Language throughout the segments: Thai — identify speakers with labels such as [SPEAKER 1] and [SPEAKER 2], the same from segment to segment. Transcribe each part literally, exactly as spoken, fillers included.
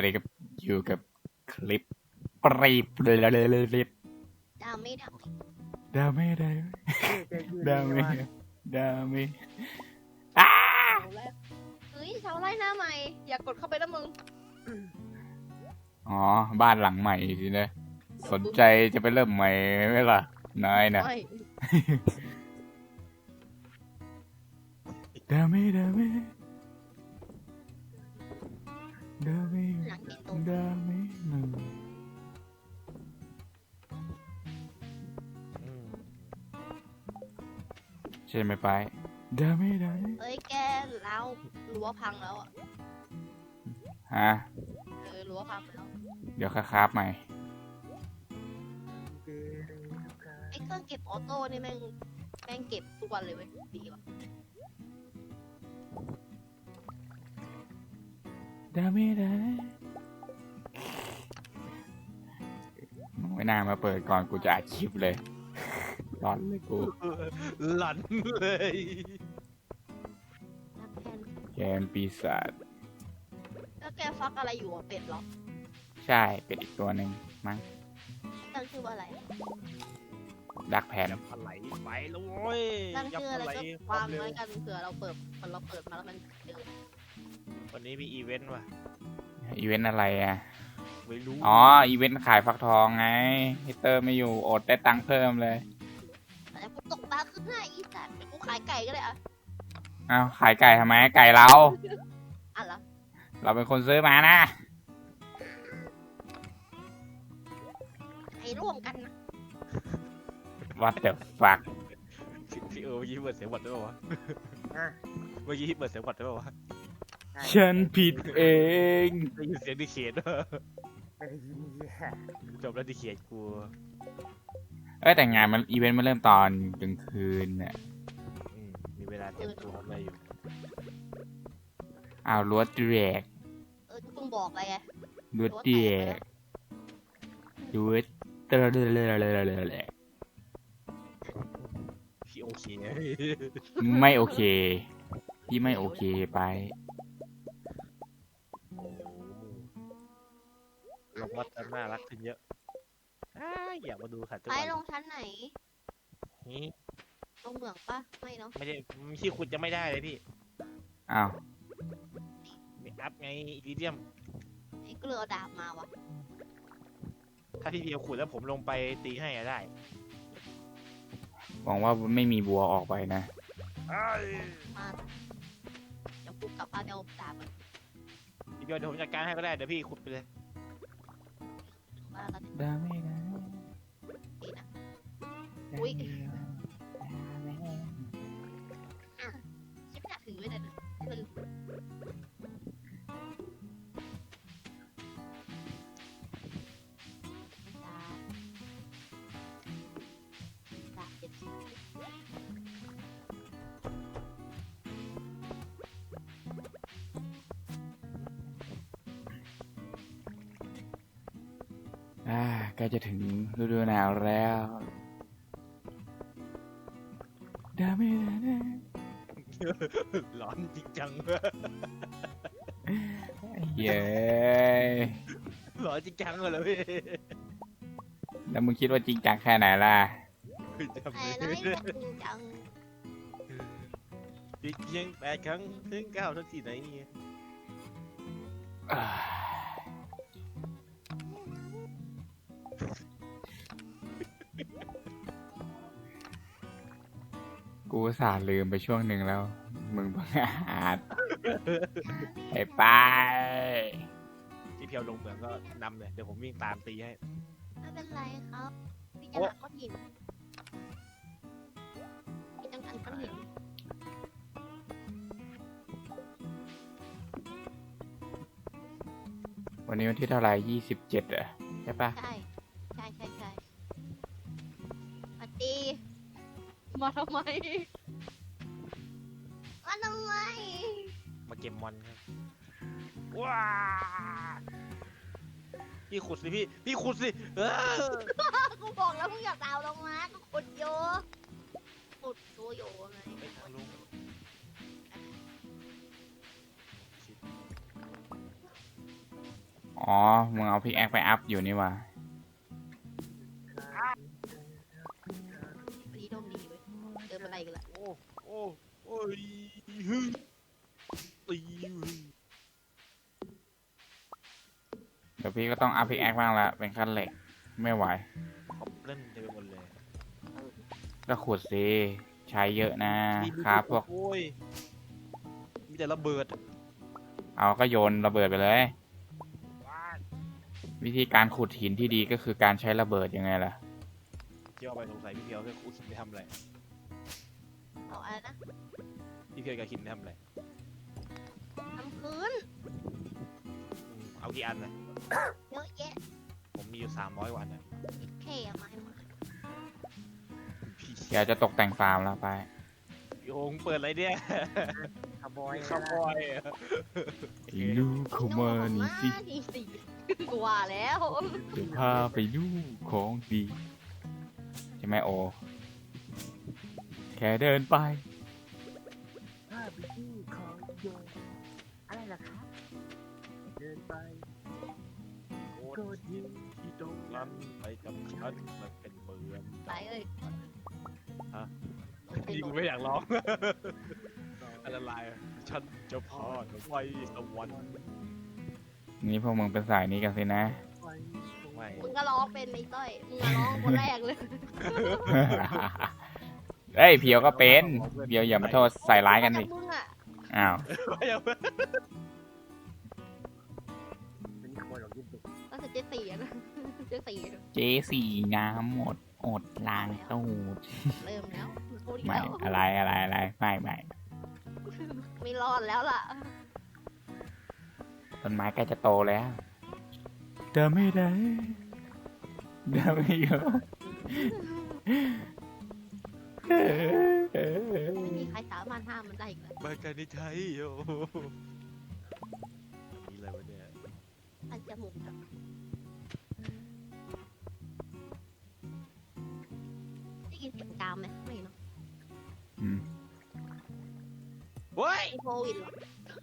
[SPEAKER 1] เลยกับอยู่กับคลิปปรีบเลยเลยเลยเลย
[SPEAKER 2] ดาไม่ดา
[SPEAKER 1] ดาเมดา
[SPEAKER 3] เจ๊ยืน
[SPEAKER 1] ดา
[SPEAKER 3] นี่
[SPEAKER 1] เม
[SPEAKER 3] ว่า
[SPEAKER 1] ดาเมอ้า
[SPEAKER 2] เฮ้ยเสาไล่หน้าใหม่อย่ากดเข้าไปนะมึง
[SPEAKER 1] อ๋อบ้านหลังใหม่สินะสนใจจะไปเริ่มใหม่ไหมล่ะนายนะ
[SPEAKER 2] ไม่
[SPEAKER 1] ดาเมดาเมดาเม
[SPEAKER 2] หลังเห็นตรง
[SPEAKER 1] ดาเมหนึ่งใช่ไหมไปดาเมดาเม
[SPEAKER 2] เอ้ยแกแล้วรั้วพังแล้วอ่ะ
[SPEAKER 1] ฮะ
[SPEAKER 2] เออรั้วพังแล้ว
[SPEAKER 1] เดี๋ยวคราบใหม่
[SPEAKER 2] ไอ้เครื่องเก็บออโต้นี่แม่งแม่งเก็บทุกวันเลยเว้ยดีว่ะ
[SPEAKER 1] ดาเมดามึงไม่น่ามาเปิดก่อนกูจะอัดคลิปเลยร้อนเลยกู
[SPEAKER 3] หลันเลย
[SPEAKER 2] นักแทน
[SPEAKER 1] แกนปีศาจ
[SPEAKER 2] แล้วแกฟักอะไรอยู่อ่ะเป็ดเหรอ
[SPEAKER 1] ใช่เป็นอีกตัวหนึ่งมั้ง
[SPEAKER 2] ตั้งชื่อว่าอะไร
[SPEAKER 1] ดักแพน
[SPEAKER 3] ยับปลาไหลไปแล้วโว้ย
[SPEAKER 2] ตั้ง
[SPEAKER 3] ยับ
[SPEAKER 2] ชื่อ
[SPEAKER 3] ป
[SPEAKER 2] อะไร
[SPEAKER 3] ลาไหล
[SPEAKER 2] ก็
[SPEAKER 3] ควาว
[SPEAKER 2] าม ง
[SPEAKER 3] เร็ว
[SPEAKER 2] ไว้กันเผื่อเราเปิดมันเราเปิดมาแล้วมันเจอ
[SPEAKER 3] วันนี้มีอีเวนต์ว่ะ
[SPEAKER 1] อีเวนต์อะไรอ่ะ
[SPEAKER 3] ไม่รู้
[SPEAKER 1] อ๋อ อีเวนต์ขายฟักทองไงฮิเตอร์ไม่อยู่อดได้ตังค์เพิ่มเลย
[SPEAKER 2] แต่กูตกปลาขึ้นหน้าอีสัตว์เดี๋ยวกูขายไก่ก็ได้อะ
[SPEAKER 1] อ้าวขายไก่ทำไมไก่เรา
[SPEAKER 2] อ่ะเหรอ
[SPEAKER 1] เราเป็นคนซื้อมานะ
[SPEAKER 2] ให้ร่วมกันนะ
[SPEAKER 1] What the fuck
[SPEAKER 3] พี่เออเมื่อกี้เปิดเสียงบอดได้ป่าวะเมื่อกี้เปิดเสียงบอดได้ป่าวะ
[SPEAKER 1] ฉันผิดเอง
[SPEAKER 3] ได้ยินเสียงดิเขียนด้วยจบแล้วดิเขียนกู
[SPEAKER 1] เอ้ยแต่งานมันอีเวนต์มันเริ่มตอนกลางคืนเนี่ย
[SPEAKER 3] อืมมีเวลาเตรียมตัวทำอะไรอยู่
[SPEAKER 1] อ้าวรั้วแตก
[SPEAKER 2] เออกูต้องบอกอะไรไง
[SPEAKER 1] รั้วแตกรั้วเตะเลยเลยเลยเลยเลย
[SPEAKER 3] พี่โอเค
[SPEAKER 1] ไม่โอเคพี่ไม่โอเคไป
[SPEAKER 3] โอ้ลงวัดน่ารักขึ้นเยอะอ้าอยากมาดูค่ะทุก
[SPEAKER 2] ไป
[SPEAKER 3] วัน
[SPEAKER 2] ลงชั้นไหน
[SPEAKER 3] นี่
[SPEAKER 2] ลงเหมืองปะไม่เนาะ
[SPEAKER 3] ไม่ได้ที่ขุดจะไม่ได้เลยพี่
[SPEAKER 1] อ้าว
[SPEAKER 3] มีอัพไงอีลิเดียม
[SPEAKER 2] ไอ้ก็เลยเอาดาบมาวะ
[SPEAKER 3] ถ้าพี่เพียวขุดแล้วผมลงไปตีให้อะได้
[SPEAKER 1] หวังว่าไม่มีบัวออกไปนะ
[SPEAKER 2] มาเดี๋ยวกูกลับบ้านไปเอาดาบมัน
[SPEAKER 3] พี่เพียวเดี๋ยวผมจัดการให้ก็ได้เดี๋ยวพี่ขุดไปเลย
[SPEAKER 2] มาแล้วกัน
[SPEAKER 1] ดาไม่ได้
[SPEAKER 2] ดีนะ อุ๊ย ชิปหนักถือไว้เลยนะให้มันดาบดาบเจ็ดชิ้น
[SPEAKER 1] อ่าใกล้จะถึงฤดูหนาวแล้วดาไม่ได้
[SPEAKER 3] ร้อนจริงจัง
[SPEAKER 1] เย้
[SPEAKER 3] ร้อนจริงจังเลยพี่
[SPEAKER 1] แล้วมึงคิดว่าจริงจังแค่ไหนล่ะ
[SPEAKER 3] จำ
[SPEAKER 2] แต่
[SPEAKER 3] ไม่
[SPEAKER 2] น้อย
[SPEAKER 3] ได้
[SPEAKER 2] แต่จริงจัง
[SPEAKER 3] พี่เพียงแปดครั้งถึงเก้าทั้งสี่ไหน
[SPEAKER 1] อ่ากูอุตสาห์ลืมไปช่วงหนึ่งแล้ว มึงบังอาจไอ้ไป
[SPEAKER 3] พี่เพียวลงเหมืองก็นำเลยเดี๋ยวผมวิ่งตามตีให้
[SPEAKER 2] ไม่เป็นไรครับพี่จะหาก้อนหินพี่ต้องการก้อนหิน
[SPEAKER 1] วันนี้วันที่เท่าไหร่ยี่สิบเจ็ดอ่ะใช่ปะ
[SPEAKER 2] ใช่ใช่ใช่ใช่มาตีมาทำไมมาทำไม
[SPEAKER 3] มาเก็บมอนครับว้าพี่ขุดสิพี่พี่ขุดสิเออ
[SPEAKER 2] กูบอกแล้วมึงอย่าดาวลงมาก็ขุดโยขุดตัวโยไง
[SPEAKER 3] ไปทางลุง
[SPEAKER 2] ม
[SPEAKER 1] อ๋อ มึงเอาพิกแอคไปอัพอยู่นี่หว่า
[SPEAKER 2] ดีดมดีเว้ยเจออะไรกันละ
[SPEAKER 3] โอ้โอ้โอ้ยฮึตี
[SPEAKER 1] เดี๋ยวพี่ก็ต้องอัพพิกแอคบ้างละเป็นขั้นเหล็ก ไม่ไหว
[SPEAKER 3] ขอบเล่นเต็มไปหมดเลย
[SPEAKER 1] ก็ขุดสิ ใช้เยอะนะครับพวก
[SPEAKER 3] โอ้ยมีแต่ระเบิด
[SPEAKER 1] เอาก็โยนระเบิดไปเลย วิธีการขุดหินที่ดีก็คือการใช้ระเบิดยังไงล่ะ
[SPEAKER 3] เที่ยวไปสงสัยพี่เพียวกับหินไปทำอะไร
[SPEAKER 2] เอาอะไรนะ
[SPEAKER 3] พี่เพียวกับหินไปทำอะไร
[SPEAKER 2] ทำพื้น
[SPEAKER 3] อืมเอากี่อันนะ
[SPEAKER 2] เยอะแยะ
[SPEAKER 3] ผมมีอยู่สามร้อยวันนะ
[SPEAKER 2] เท่อะมาให้มา
[SPEAKER 3] พี่
[SPEAKER 1] อยากจะตกแต่งฟาร์มแล้วไป
[SPEAKER 3] พี่โองเปิดอะไรเนี่ย
[SPEAKER 4] ขบอย
[SPEAKER 3] ขโมย
[SPEAKER 1] ไอ้ลูกเข้ามานี่สิ
[SPEAKER 2] นี่สิกลัวแล้ว
[SPEAKER 1] เดี๋ยวพาไปดูของดี ใช่ไหมโอ แค่เดินไป
[SPEAKER 4] ถ้าไปที่ของโยนอะไรล่ะครับเดินไป
[SPEAKER 3] โอ้
[SPEAKER 4] โกดยิง
[SPEAKER 3] ที่ตรงนั้นไปกับฉันมันเป็นเมือง
[SPEAKER 2] ไปเอ้ย
[SPEAKER 3] นี่กูไม่อยากร้อง อันตรายฉันจะพาเธอไปสวรรค์
[SPEAKER 1] นี่พวกมึงเป็นสายนี้กันสินะ
[SPEAKER 4] ไป
[SPEAKER 3] ไม่
[SPEAKER 2] มึงก็ร้องเป็นไอ้ต้อยมึงก็ร้องคนแรกเลย
[SPEAKER 1] เอ้ยเพียวก็เป็นเพียวอย่ามาโทษใส่ร้ายกันดิ
[SPEAKER 2] มึงอะ
[SPEAKER 1] อ้าว
[SPEAKER 3] ไม่เอา
[SPEAKER 4] เป็นขโมยหรอกยิ่งดุ
[SPEAKER 2] ก็คือเจ๊สี่อะนะเจ๊สี่อะ
[SPEAKER 1] เจสี่น้ำหมดอดล้างตูด
[SPEAKER 2] เริ่มแล้วพูดอีก
[SPEAKER 1] ไม่
[SPEAKER 2] แล้ว
[SPEAKER 1] อะไรอะไรอะไรไม่ไม่
[SPEAKER 2] ไม่รอดแล้วล่ะ
[SPEAKER 1] ต้นไม้ใกล้จะโตแล้วเดินไม่ได้เดินไม่เยอะ
[SPEAKER 2] ไม่มีใครสามารถห้ามมันได้อีกแล้ว
[SPEAKER 3] มากันในไทยโอ้มีอะไรวะเนี่ย
[SPEAKER 2] อันจมูกอะได้ยินเสียงกามไหมไม่เนาะ
[SPEAKER 1] อืม
[SPEAKER 3] เฮ้ย
[SPEAKER 2] ไอโควิดเหรอ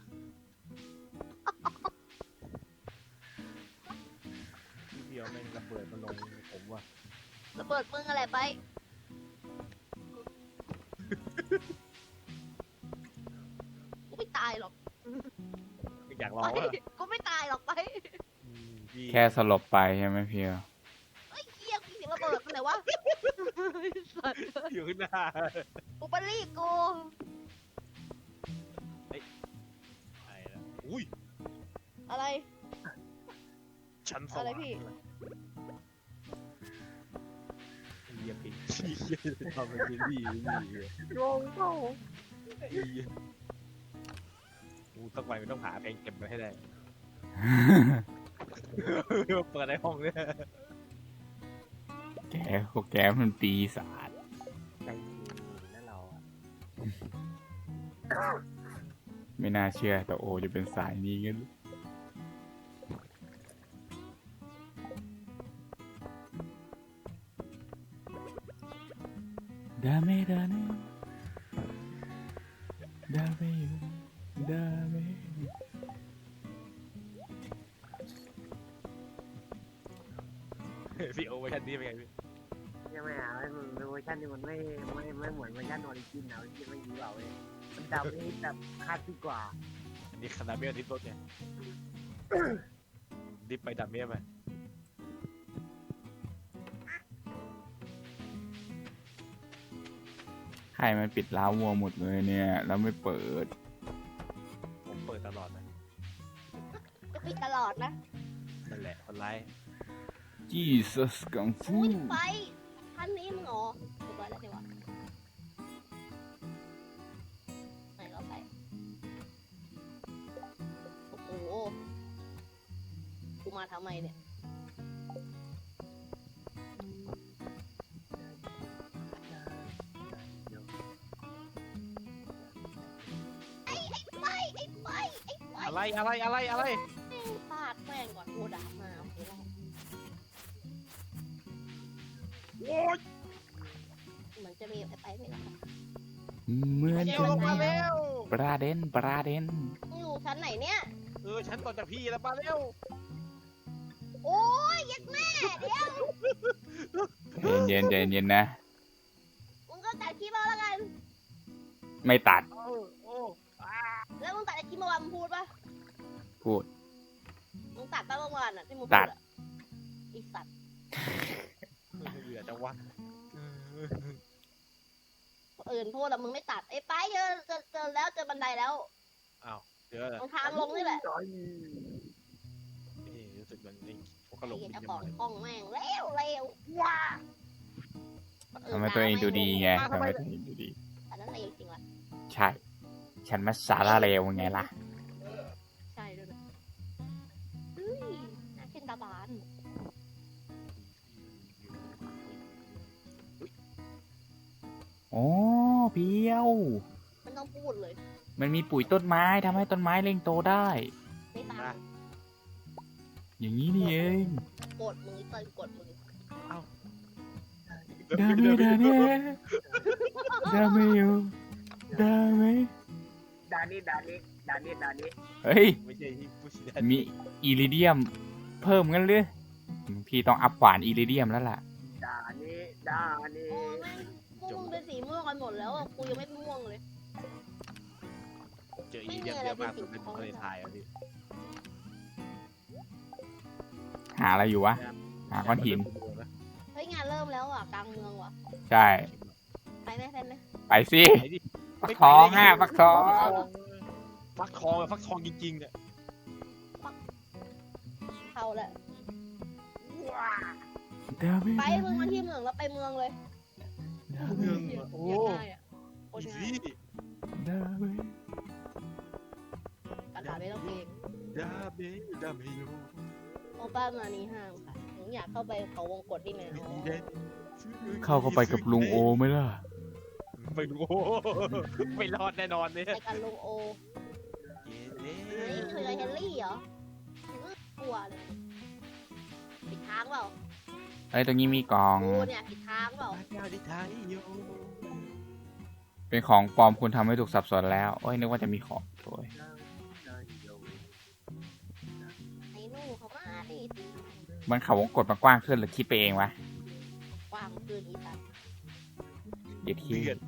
[SPEAKER 3] พี่เพียวแม่งระเบิดมาลงผมว่ะ
[SPEAKER 2] ระเบิดมึงอะไรไป กูไม่ตายหรอก
[SPEAKER 3] อยาก
[SPEAKER 2] ไป
[SPEAKER 3] ร้องอ่ะ
[SPEAKER 2] กูไม่ตายหรอกไป
[SPEAKER 3] อืมพี่
[SPEAKER 1] แค่สลบไปใช่ไหมเพียว
[SPEAKER 2] เฮ้ยเฮียกูเสียงระเบิดมันไหนวะสัตว์
[SPEAKER 3] อยู่ข้างหน้า
[SPEAKER 2] กูไปรีบกู
[SPEAKER 3] ไอ้ละอุ้ย
[SPEAKER 2] อะไร
[SPEAKER 3] ชั้นส
[SPEAKER 2] อะไร
[SPEAKER 3] ว่าง
[SPEAKER 2] พี่
[SPEAKER 3] เยี่ยมพี่เยี่ยมทำเป็นพี่พี่
[SPEAKER 4] งงเปล่า
[SPEAKER 3] กูต้องไปมันต้องหาเพลงเก็บไว้ให้ได้ เปิดในห้องเนี่ย
[SPEAKER 1] แกพวกแกมันปีศาจ
[SPEAKER 4] ใจดีนะเราอะ
[SPEAKER 1] ไม่น่าเชื่อแต่โอจะเป็นสายนี้กันดาเมดาเนดาเมดาเม
[SPEAKER 3] พี่โอเวอร์ชันนี้เป็นไงพี่
[SPEAKER 4] ยังไม่เอาให้มันเวอร์ชันนี้มันไม่ไม่ไม่เหมือนเวอร์ชันออริจินเอาที่ไม่ดีเปล่าเว้ยมันดำนี่แบบคาดที่กว่า
[SPEAKER 3] อันนี้คาราเมลดิฟรถเนี่ยดิฟไปดับเมียไป
[SPEAKER 1] ใครมันปิดร้าววัวหมดเลยเนี่ย แล้วไม่เปิด
[SPEAKER 3] ผมเปิดตลอดนะ
[SPEAKER 2] ก็ปิดตลอดนะ
[SPEAKER 3] นั่นแหละคนร้าย
[SPEAKER 1] Jesus กังฟู
[SPEAKER 2] อุ้ยไฟท่านนี้มึงเหรอเรียบร้อยแล้วใช่ปะไหนก็ไป โอ้โห กูมาทำไมเนี่ย ไอ้ไอ้ไฟไอ้ไฟไอ้ไฟ
[SPEAKER 3] อะไรอะไรอะไรอะไร
[SPEAKER 2] แม่งฟาดแม่งก่อนโคดามาโอเคแล้ว
[SPEAKER 3] โอ้ย
[SPEAKER 2] เหมือนจะมีไอ้ไปไม่หรอก
[SPEAKER 1] เหมือน
[SPEAKER 3] เดี๋ยว
[SPEAKER 1] จะ
[SPEAKER 3] ลงมาเร็ว
[SPEAKER 1] ประเด็นประเด็น
[SPEAKER 2] มึงอยู่ชั้นไหนเนี่ย
[SPEAKER 3] เออฉันต่อจากพี่แล้วมาเร็ว
[SPEAKER 2] โอ้ยยัดแม่เดี๋ยว
[SPEAKER 1] เย็นๆใจเย็นๆนะ
[SPEAKER 2] มึงก็ตัดคลิปเอาแล้วกัน
[SPEAKER 1] ไม่ตัด
[SPEAKER 3] โอ้โอ้อ่า
[SPEAKER 2] แล้วมึงตัดไอ้คลิปเมื่อวานมึงพูดปะ
[SPEAKER 1] พูด
[SPEAKER 2] มึงตัดปะเมื่อวานอ่ะที่มึง
[SPEAKER 1] ตั
[SPEAKER 2] พู
[SPEAKER 1] ด
[SPEAKER 2] ดอะไอีสัตว์
[SPEAKER 3] เหลือจังวะ
[SPEAKER 2] คนอื่นพูดแล้วมึงไม่ตัดไอ้ไปเจอเจอเจอแล้วเจอบันไดแล้ว
[SPEAKER 3] อ้าวเดี๋ยวนะ
[SPEAKER 2] ตรงทางลงนี่แหละ
[SPEAKER 4] ร้อย
[SPEAKER 3] เอ๊ะรู้สึกมันไอ้พวกกระโหล
[SPEAKER 2] ไอ้
[SPEAKER 3] ก
[SPEAKER 2] เหี้ย
[SPEAKER 3] บิน
[SPEAKER 2] เจ้า
[SPEAKER 3] จะ
[SPEAKER 2] ของ
[SPEAKER 3] มา
[SPEAKER 2] ห้องแม่งเร็วเร็วว้า
[SPEAKER 1] ทำไมตัวเองดูดีไงทำไมตัวเองดูดี
[SPEAKER 2] อันนั้นเร็วจริงว่ะ
[SPEAKER 1] ใช่ ฉันมาสาระเลวไงล่ะ
[SPEAKER 2] ใช่ด้วยนะเฮ้ยน่าเช่นตาบาน
[SPEAKER 1] โอ้เพียว
[SPEAKER 2] มันต้องพูดเลย
[SPEAKER 1] มันมีปุ๋ยต้นไม้ทำให้ต้นไม้เร่งโตได้
[SPEAKER 2] ไม่ตาม
[SPEAKER 1] อย่างนี้นี่เอง
[SPEAKER 2] กดมึงไอ้เตยกดมึง
[SPEAKER 1] ดาเมดาเน่ดาเมโยดาเม
[SPEAKER 4] ดานี่ดานี่ดานี่ดานี่
[SPEAKER 1] เฮ้ย
[SPEAKER 3] ไม่ใช่ที่ผู้ชี้
[SPEAKER 1] มีอิริเดียม เพิ่มกันหรือพี่ต้องอัพขวานอิริเดียมแล้วล่ะ
[SPEAKER 4] ดานี่ดานี่
[SPEAKER 2] โอ้แม่งพวกมึงเป็นสีม่วงกันหมดแล้วอะกูยังไม่ม่วงเลย
[SPEAKER 3] เจออีเดียมเยอะมากสุดเป็นทะเลทรายอ่ะพี่
[SPEAKER 1] หาอะไรอยู่วะ หาก้อนหิน
[SPEAKER 2] เฮ้ยงานเริ่มแล้วอ่ะกลางเมืองว่ะ
[SPEAKER 1] ใช่
[SPEAKER 2] ไปไหมไปไหม
[SPEAKER 1] ไปสิ
[SPEAKER 3] ไปดิ
[SPEAKER 1] ฟักทองอ่ะฟักทอง
[SPEAKER 3] ฟักทองอะฟักทองจริงๆอ่ะ
[SPEAKER 2] เข้าแล้ว
[SPEAKER 1] ดาเม
[SPEAKER 2] ไปมึงมาที่เมืองแล้วไปเมืองเลย
[SPEAKER 1] ดาเม
[SPEAKER 3] เมืองอะโอ้
[SPEAKER 2] อยากได้อะโคต
[SPEAKER 3] อี
[SPEAKER 2] รง่าย
[SPEAKER 3] ซี่
[SPEAKER 1] ดาเม
[SPEAKER 2] กระดาษไม่ต้องเกรง
[SPEAKER 3] ดาเมดาเมโย
[SPEAKER 2] โอป้ามานี่ห้ามค่ะหนูอยากเข้าไปเขาวงกดดิแมว
[SPEAKER 1] เข้าเข้าไปกับลุงโอไหมล่ะ
[SPEAKER 3] ไม่รู้ไม่รอดแน่นอนเนี่ย
[SPEAKER 2] ไปกันลุงโอนี่เคยเฮนรี่เหรออื้อกลัวเลยผิดทางเปล่า
[SPEAKER 1] เอ้ยตรงนี้มีกล่อง
[SPEAKER 2] กูเนี่ยผิดทางเปล่า
[SPEAKER 3] ดาดิทายโย
[SPEAKER 1] เป็นของปลอมคุณทำให้ถูกสับสนแล้วโอ้ยนึกว่าจะมีของโอ้ย
[SPEAKER 2] ไอ้หนูเขามาดิ
[SPEAKER 1] มันเขาวงกดมากว้างขึ้นหรือคิดไปเองวะ
[SPEAKER 2] กว้างเกินอีสัตว์
[SPEAKER 1] เดี๋ยวที
[SPEAKER 3] เดือด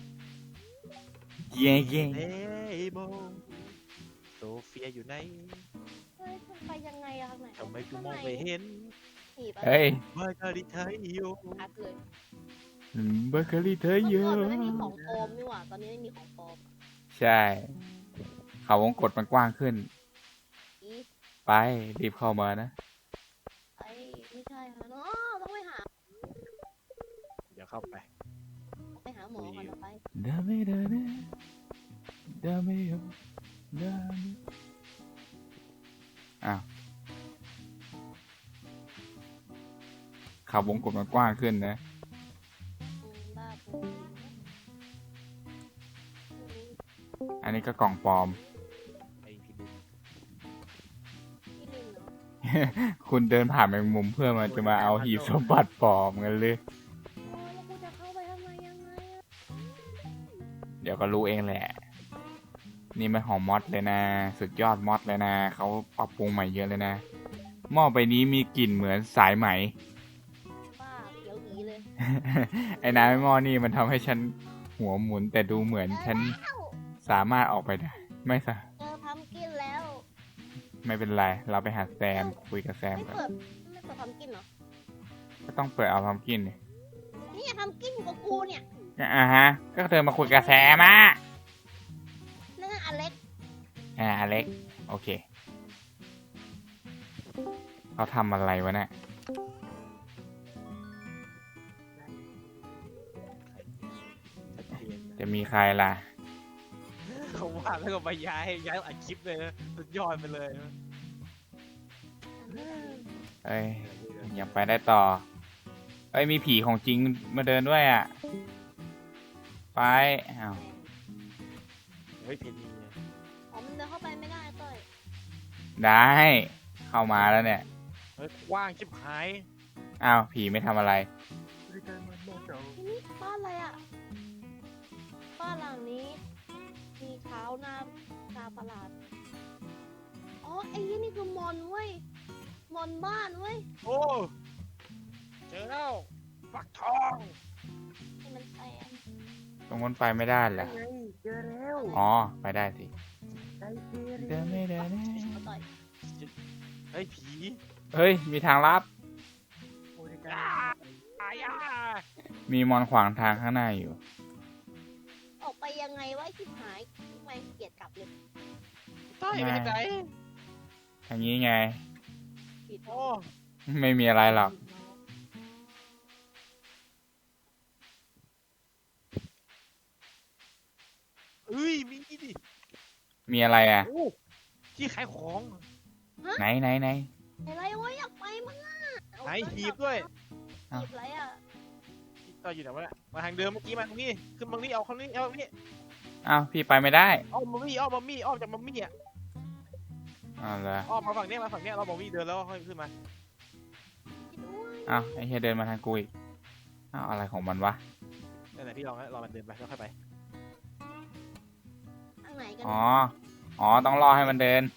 [SPEAKER 1] เย่เย่
[SPEAKER 3] เฮ้ยโมโซเฟียอยู่ไหน
[SPEAKER 2] เฮ้ยมันไปยังไงอะข้างไหน
[SPEAKER 3] ทำไมกูมองไม่เห็น
[SPEAKER 2] หนีไป
[SPEAKER 1] เฮ้ย
[SPEAKER 3] มาดาดิทายโย
[SPEAKER 2] ชัดเลย
[SPEAKER 1] เบเกอรี่เธอเย
[SPEAKER 2] เมื่อ
[SPEAKER 1] อะ
[SPEAKER 2] ก่อนมันไม่มีของปลอมนี่หว่า ตอนนี้ไม่มีของปลอม
[SPEAKER 1] ใช่ เขาวงกดมันกว้างขึ้น
[SPEAKER 2] อี
[SPEAKER 1] ไปรีบเข้ามานะ
[SPEAKER 2] ไอ้ไม่ใช่ค่ะเนาะต้องไปหา
[SPEAKER 3] เดี๋ยวเข้าไป
[SPEAKER 2] ไปหาหมอก่อนเอาไป
[SPEAKER 1] ดาเมดาเนดาเมโยดาเมอ้าวเขาวงกดมันกว้างขึ้นนะ
[SPEAKER 2] อืมบ้าปู
[SPEAKER 1] อันนี้ก็กล่องปลอม
[SPEAKER 3] ไอพี่ดู
[SPEAKER 2] พี่ลินเนาะ
[SPEAKER 1] คุณเดินผ่านแมงมุมเพื่อมาจะมาเอาหีบสมบัติปลอมกันเลย
[SPEAKER 2] โอ้ยแล้วกูจะเข้าไปทำไมยังไงอะ
[SPEAKER 1] เดี๋ยวก็รู้เองแหละ นี่มันของมอดเลยนะ สุดยอดมอดเลยนะ เขาปรับปรุงใหม่เยอะเลยนะ หม้อใบนี้มีกลิ่นเหมือนสายไหม
[SPEAKER 2] บ้าเขียวอีเลย
[SPEAKER 1] ไอ้น้ำไอ้หม้อนี่มันทำให้ฉันหัวหมุน แต่ดูเหมือนฉันสามารถออกไปได้ ไม่สะ
[SPEAKER 2] เจอพัมกินแล้ว
[SPEAKER 1] ไม่เป็นไร เราไปหาแซมคุยกับแซม
[SPEAKER 2] ไม่
[SPEAKER 1] ก่อน
[SPEAKER 2] เปิดไม่เปิดพัมกินเหรอ
[SPEAKER 1] ก็ต้องเปิดเอาพัมกินดิ
[SPEAKER 2] นี่พัมกินอยู่กับกูเนี่ย
[SPEAKER 1] อ่าฮะ ก็เธอมาคุยกับแซมอ่ะ
[SPEAKER 2] นั่นน่ะอเล็ก
[SPEAKER 1] อ่าอเล็ก โอเค เขาทำอะไรวะเนี่ย
[SPEAKER 3] ชัดเจน
[SPEAKER 1] จะมีใครล่ะ
[SPEAKER 3] เขาว่าแล้วก็ไปย้ายย้ายอัดคลิปเลยนะสุดยอดไปเลยนะ
[SPEAKER 1] เอ้ย ยังไปได้ต่อ เอ้ย มีผีของจริงมาเดินด้วยอ่ะ ไปอ้าว
[SPEAKER 3] เฮ้ยเพนนี
[SPEAKER 2] อ๋อมันเดินเข้าไปไม่ได้เต้ย
[SPEAKER 1] ได้ เข้ามาแล้วเนี่ย
[SPEAKER 3] เฮ้ยกว้างชิบหาย
[SPEAKER 1] อ้าว ผีไม่ทำอะไร
[SPEAKER 2] ที่นี่บ้านอะไรอ่ะ บ้านหลังนี้ มีเท้าหน้าตาประหลาด อ๋อไอ้ยี่นี่คือมอนเว้ยบนบ้านเว้ย
[SPEAKER 3] โอ้เจอแล้วฟักทอง
[SPEAKER 2] ให้มันแซง
[SPEAKER 1] ตรงนั้นไปไม่ได้เหรอ
[SPEAKER 4] ไงเจอแล้ว
[SPEAKER 1] อ๋อไปได้สิ
[SPEAKER 4] ไดเจอ
[SPEAKER 1] เดินไม่เดิน
[SPEAKER 2] เขาต่อย
[SPEAKER 3] เฮ้ยผี
[SPEAKER 1] เฮ้ยมีทางลับ
[SPEAKER 4] โอ้ย
[SPEAKER 3] อ้าอายา
[SPEAKER 1] มีมอนขวางทางข้างหน้าอยู่
[SPEAKER 2] ออกไปยังไงวะชิบหายทำไมเกลียดกลับเลย
[SPEAKER 3] ใต้ไปทางไหน
[SPEAKER 1] ทางนี้ไง
[SPEAKER 2] ผิด
[SPEAKER 3] โอ้
[SPEAKER 1] ไม่มีอะไรหรอก
[SPEAKER 3] เอ้ยมีดิ
[SPEAKER 1] มีอะไรอ่ะ
[SPEAKER 3] โอ้ที่ขายของ
[SPEAKER 1] ไหนไหนไหน
[SPEAKER 2] อะไรวะอยากไปมั้งอ่ะเอา
[SPEAKER 3] ไหนหีบด้วย
[SPEAKER 2] หีบอะไรอ่ะ
[SPEAKER 3] เอออยู่ไหนวะเนี่ยมาทางเดิมเมื่อกี้มาตรงนี้ขึ้นตรงนี้เอาคนนี้เอาตรงนี้
[SPEAKER 1] อ้าวพี่ไปไม่ได้
[SPEAKER 3] อ้อมมัมมี่อ้อมมัมมี่อ้อมจากมัมมี่อ่ะ
[SPEAKER 1] อ้าวเหรอ
[SPEAKER 3] อ้อมมาฝั่งเนี้ยมาฝั่งเนี้ยเรามัมมี่เดินแล้วค่อยขึ้นมา
[SPEAKER 2] ด้วย
[SPEAKER 1] อ้าวไอ้เฮียเดินมาทางกูอีกอ้าวอะไรของมันวะ
[SPEAKER 3] นั่นแหละพี่ลองนะรอมันเดินไปแล้วค่อยไป
[SPEAKER 2] ทางไหนกัน
[SPEAKER 1] อ๋อ อ๋อต้องรอให้มันเดิน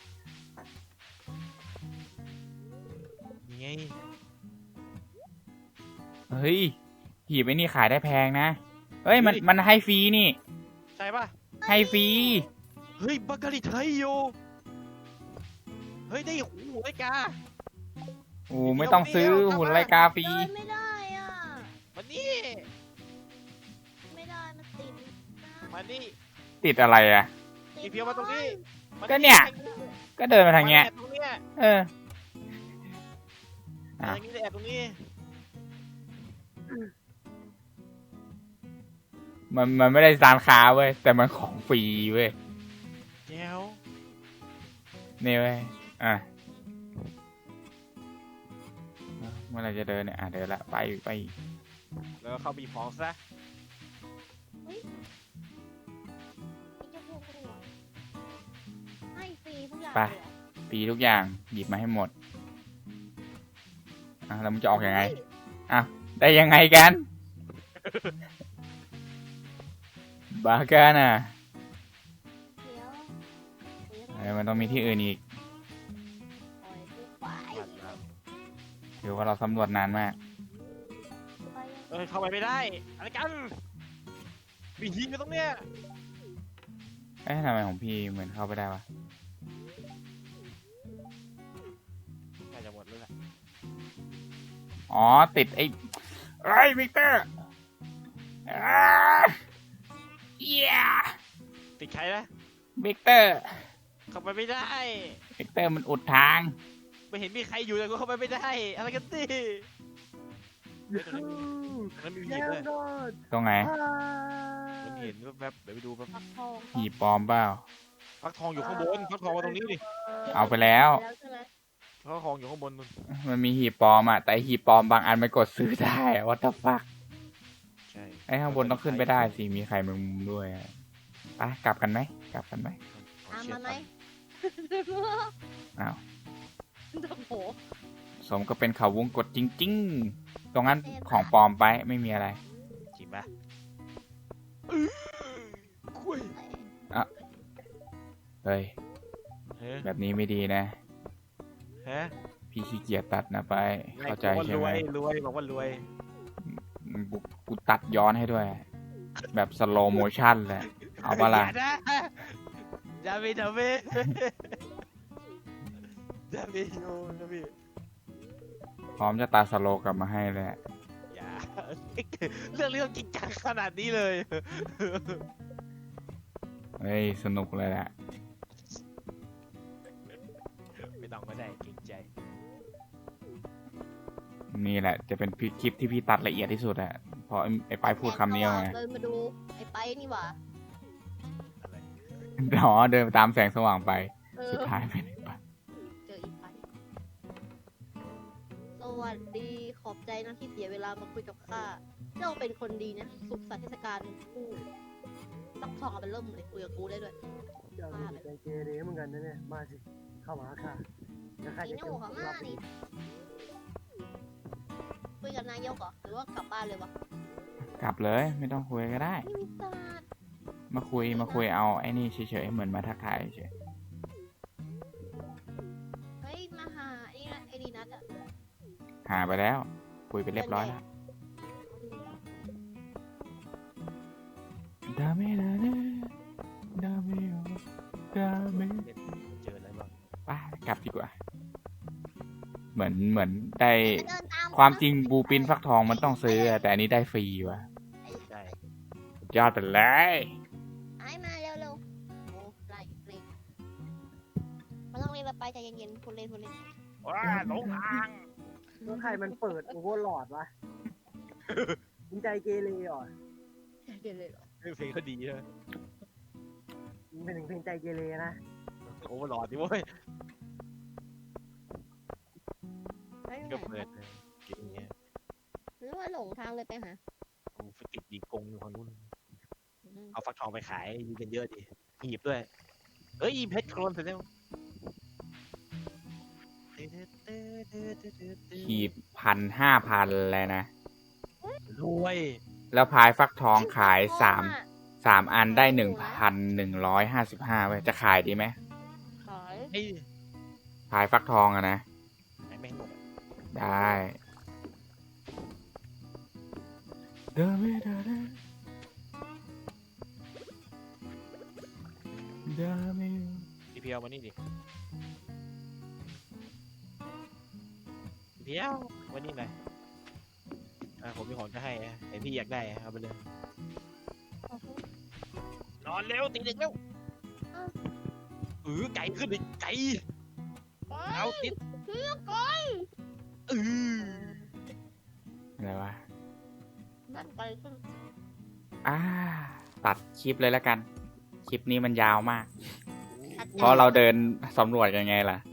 [SPEAKER 3] นี่ไง
[SPEAKER 1] เฮ้ยหีบไอ้นี่ขายได้แพงนะ เฮ้ยมันมันให้ฟรีนี่
[SPEAKER 3] ใช่ป่ะ
[SPEAKER 1] ให้ฟรี
[SPEAKER 3] เฮ้ยบักกะลิไทยโยเฮ้ยได้หูไอ้กา
[SPEAKER 1] โอ้ไม่ต้องซื้อหุ่นไรกาฟรี
[SPEAKER 2] เดินไม่ได้อ่ะ
[SPEAKER 3] มานี่
[SPEAKER 2] ไม่ได้มันติดนะ
[SPEAKER 3] มานี่
[SPEAKER 1] ติดอะไรอ่ะ
[SPEAKER 3] อีเพียวมาตรงนี้มา
[SPEAKER 1] ก็เนี่ย ก็เดินมาทางเงี้ย
[SPEAKER 3] แอบตรงเนี้ย
[SPEAKER 1] เออ
[SPEAKER 3] มาอย่างนี้แอบตรงนี้
[SPEAKER 1] มันมันไม่ได้ร้านค้าเว้ย แต่มันของฟรีเว้ย
[SPEAKER 3] แก้ว
[SPEAKER 1] นี่เว้ย อ่ะ เมื่อไหรจะเดินเนี่ย อ่ะเดินละ ไปไป
[SPEAKER 3] แล้วก็เข้าบีบของซะ
[SPEAKER 2] นี่จะพูดก็ได้วะให้ฟรีทุกอย่าง
[SPEAKER 1] ไป
[SPEAKER 2] เลยเหรอ
[SPEAKER 1] ฟรีทุกอย่าง หยิบมาให้หมด อ่ะแล้วมันจะออกยังไง อ่ะ ได้ยังไงกัน บากันอ่ะ
[SPEAKER 2] เดี๋ยวเดี๋ยว
[SPEAKER 1] เออมันต้องมีที่อื่นอีก
[SPEAKER 2] ปล่อยกูไป
[SPEAKER 1] ถือว่าเราสำรวจนานมาก
[SPEAKER 2] ไป
[SPEAKER 3] เอ้ยเข้าไปไม่ได้อะไรกันมีหินอยู่ตรงเนี้ย
[SPEAKER 1] เอ๊ะทำไมของพี่เหมือนเข้าไปได้วะ
[SPEAKER 3] น่าจะหมดแล้วแหละ
[SPEAKER 1] อ๋อ ติดไอ้ไอ้วิกเตอร์อ้าเย้
[SPEAKER 3] ติดใครนะ
[SPEAKER 1] วิกเตอร์
[SPEAKER 3] เข้าไปไม่ได้
[SPEAKER 1] วิกเตอร์มันอุดทาง
[SPEAKER 3] ไม่เห็นมีใครอยู่แต่ก็เข้าไปไม่ได้อะไรกันดิ
[SPEAKER 4] ยู
[SPEAKER 3] แล้วมี
[SPEAKER 4] แย่
[SPEAKER 3] หีบด้วย
[SPEAKER 4] นอน
[SPEAKER 1] ตรงไหน
[SPEAKER 3] มันเห็นแวบๆเดี๋ยวไปดูแป๊บ
[SPEAKER 2] ปักทอง
[SPEAKER 1] หีบปลอมเปล่า
[SPEAKER 3] ฟักทองอยู่ข้างบนฟักทองมาตรงนี้ดิ
[SPEAKER 1] เอาไปแล้ว
[SPEAKER 2] แล้วใช่ไหม
[SPEAKER 3] ฟักทองอยู่ข้างบนนู่น
[SPEAKER 1] มันมีหีบปลอมอ่ะ แต่หีบปลอมบางอันมันกดซื้อได้อะวัตถุฟัก
[SPEAKER 3] ใช่
[SPEAKER 1] ไอ้ข้างบนต้องขึ้นไปได้สิ มีใครแมงมุมด้วยอะไปกลับกันไหม กลับกันไหม
[SPEAKER 2] ตามมาไหม
[SPEAKER 1] อ้าว
[SPEAKER 2] โอ้โห
[SPEAKER 1] สมก็เป็นเขาวงกดจริงๆ ตรงนั้นของปลอมไปไม่มีอะไร
[SPEAKER 3] จริงปะคุย
[SPEAKER 1] เฮ้ย
[SPEAKER 3] เฮ้ย
[SPEAKER 1] แบบนี้ไม่ดีนะ
[SPEAKER 3] ฮะ
[SPEAKER 1] พี่ขี้เกียจตัดนะไป เข้าใจใช่
[SPEAKER 3] ร
[SPEAKER 1] ไห
[SPEAKER 3] ว
[SPEAKER 1] ม
[SPEAKER 3] ยรวยบอกว่ารวย
[SPEAKER 1] กูกูตัดย้อนให้ด้วย แบบสโลโมชั่นเลย เอาปะล่ะ
[SPEAKER 3] ย่นะอย่าไปทำเว้ยอย่าไปโยนนะพี่
[SPEAKER 1] พร้อมจะตัดสโลกลับมาให้เลยอะ
[SPEAKER 3] อย่าเรื่องเรื่องจริงจังขนาดนี้เลย
[SPEAKER 1] เฮ้ย สนุกเลยแหละ
[SPEAKER 3] ไม่ต้องก็ได้เกรงใจ
[SPEAKER 1] นี่แหละ จะเป็นคลิปที่พี่ตัดละเอียดที่สุดอะเพราะไอ้ปายพูดคำนี้ไง
[SPEAKER 2] เดินมาดูไอ้ไปนี่หว่า
[SPEAKER 3] อะไร
[SPEAKER 1] อ๋อเดินตามแสงสว่างไป
[SPEAKER 2] เออ
[SPEAKER 1] สุดท้ายไปไหนไป
[SPEAKER 2] เจออีกไปสวัสดีขอบใจนะที่เสียเวลามาคุยกับข้าเจ้าเป็นคนดีนะสุขสันต์เทศกาลคู่ต้องทองเอาไปเริ่มเลยคุยกับกูได้ด้วย
[SPEAKER 4] เจ้านี่ใจเกเรเหมือนกันนะเนี่ยมาสิเข้ามาค่ะแล้วข้า
[SPEAKER 2] อี
[SPEAKER 4] จะ
[SPEAKER 2] หนูของข้านี่คุยกับนายกเหรอหรือว่ากลับบ้านเลยวะ
[SPEAKER 1] กลับเลย ไม่ต้องคุยก็ได้
[SPEAKER 2] ไม่มีตาด
[SPEAKER 1] มาคุยมาคุยเอาไอ้นี่เฉยๆเหมือนมาทักทายเฉย
[SPEAKER 2] เฮ้ยมาหาไอ้นะไอ้ดีนัท
[SPEAKER 1] หาไปแล้ว คุยไปเรียบร้อยแล้วดาเมดาเดดาเมดาเม
[SPEAKER 3] เจออะไรบ้าง
[SPEAKER 1] ไปกลับดีกว่า เหมือนเหมือนได้
[SPEAKER 2] เดินตาม
[SPEAKER 1] ความจริงบูปินฟักทองมันต้องซื้อแต่อันนี้ได้ฟรีว่ะ
[SPEAKER 3] ใช่
[SPEAKER 1] สุดยอดไปเลย
[SPEAKER 2] ไอ้มาเร็วๆโอ้ไล่เล่นมาต้องเล่นเราไปใจเย็นๆคุณเล่นคุณเล่น
[SPEAKER 3] ว้าหลงทาง
[SPEAKER 4] แล้วใครมันเปิดโอเวอร์โหลดวะมึงใจเกเรเหรอ
[SPEAKER 2] เดี๋ยวเลยเหรอ
[SPEAKER 3] เพลงก็ดีใช่ไหม
[SPEAKER 4] มึงเป็นถึงเพลงใจเกเรนะ
[SPEAKER 3] โอ้โหหลอดดิเว้ย
[SPEAKER 2] ไม่
[SPEAKER 3] ก็
[SPEAKER 2] ไหน
[SPEAKER 3] เปิดเลยเก่งเงี้ย
[SPEAKER 2] หรือว่าหลงทางเลยไปหา
[SPEAKER 3] กูไปติดยิงกงอยู่ฝั่งนู้น
[SPEAKER 2] อืม
[SPEAKER 3] เอาฟักทองไปขายมีกันเยอะดิหีบด้วยเอ้ยเพชรโครนเสร็จแล้ว
[SPEAKER 1] ขีดพันห้าพันเลยนะ
[SPEAKER 3] รวย
[SPEAKER 1] แล้วพายฟักทองขายสามสามอันได้หนึ่งพันหนึ่งร้อยห้าสิบห้าเว้ยจะขายดีไหม
[SPEAKER 2] ขาย
[SPEAKER 3] ไอ้
[SPEAKER 1] พายฟักทองอะนะ
[SPEAKER 3] ไอ้แม่งหมดอะ
[SPEAKER 1] ได้เดาเมดาเดดาเม
[SPEAKER 3] พี่เพียวมานี่ดิพี่เพียวมานี่หน่อยอ่าผมมีของจะให้นะแต่พี่อยากได้อะเอาไปเลยนอนเร็วตีหนึ่งเร็วเออไก่ขึ้นดิไก่เอาติด
[SPEAKER 2] เลือกก่อน
[SPEAKER 3] เออ
[SPEAKER 1] อะไรวะ
[SPEAKER 2] นั่นไปขึ้น
[SPEAKER 1] อ่า ตัดคลิปเลยแล้วกัน คลิปนี้มันยาวมาก เพราะเราเดินสำรวจยังไงล่ะ